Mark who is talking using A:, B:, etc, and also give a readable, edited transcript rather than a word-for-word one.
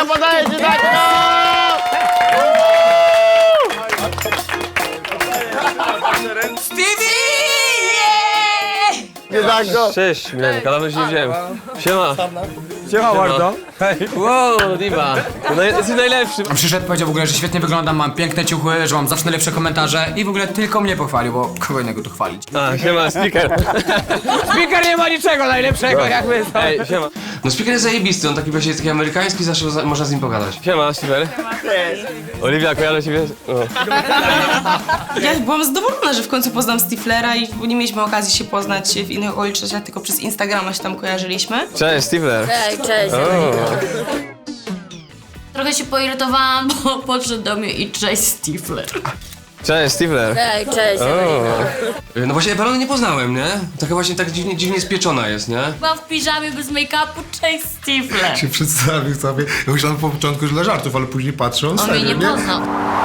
A: Uwaga, podaję ci tak! Nie tak go!
B: Cześć, Milenka, dawno się nie wziąłem. Siema.
C: Siema bardzo.
B: Wow, Diva. Jesteś najlepszy.
C: Przyszedł, powiedział w ogóle, że świetnie wyglądam, mam piękne ciuchy, że mam zawsze najlepsze komentarze i w ogóle tylko mnie pochwalił, bo kogo innego tu chwalić.
B: A, siema, speaker.
C: Speaker nie ma niczego najlepszego, jak my.
B: Ej, siema.
D: No speaker jest zajebisty, on taki właśnie taki amerykański, zawsze można z nim pogadać.
B: Siema, Steven. Oliwia, kojarzę ciebie.
E: Ja byłam zadowolona, że w końcu poznam Stiflera i nie mieliśmy okazji się poznać w innych okolicznościach, tylko przez Instagrama się tam kojarzyliśmy.
B: Cześć, Steven.
F: Cześć. Trochę się poirytowałam, bo podszedł do mnie i cześć Stifler.
B: Cześć, Steven.
F: Cześć.
D: No właśnie, ja Palony nie poznałem, nie? Taka właśnie tak dziwnie spieczona jest, nie?
F: Byłam w piżamie bez make-upu, cześć Stifler.
G: Się przedstawił sobie. Ja myślałem po początku, że dla żartów, ale później patrzę, on
F: On mnie
G: serio,
F: nie poznał.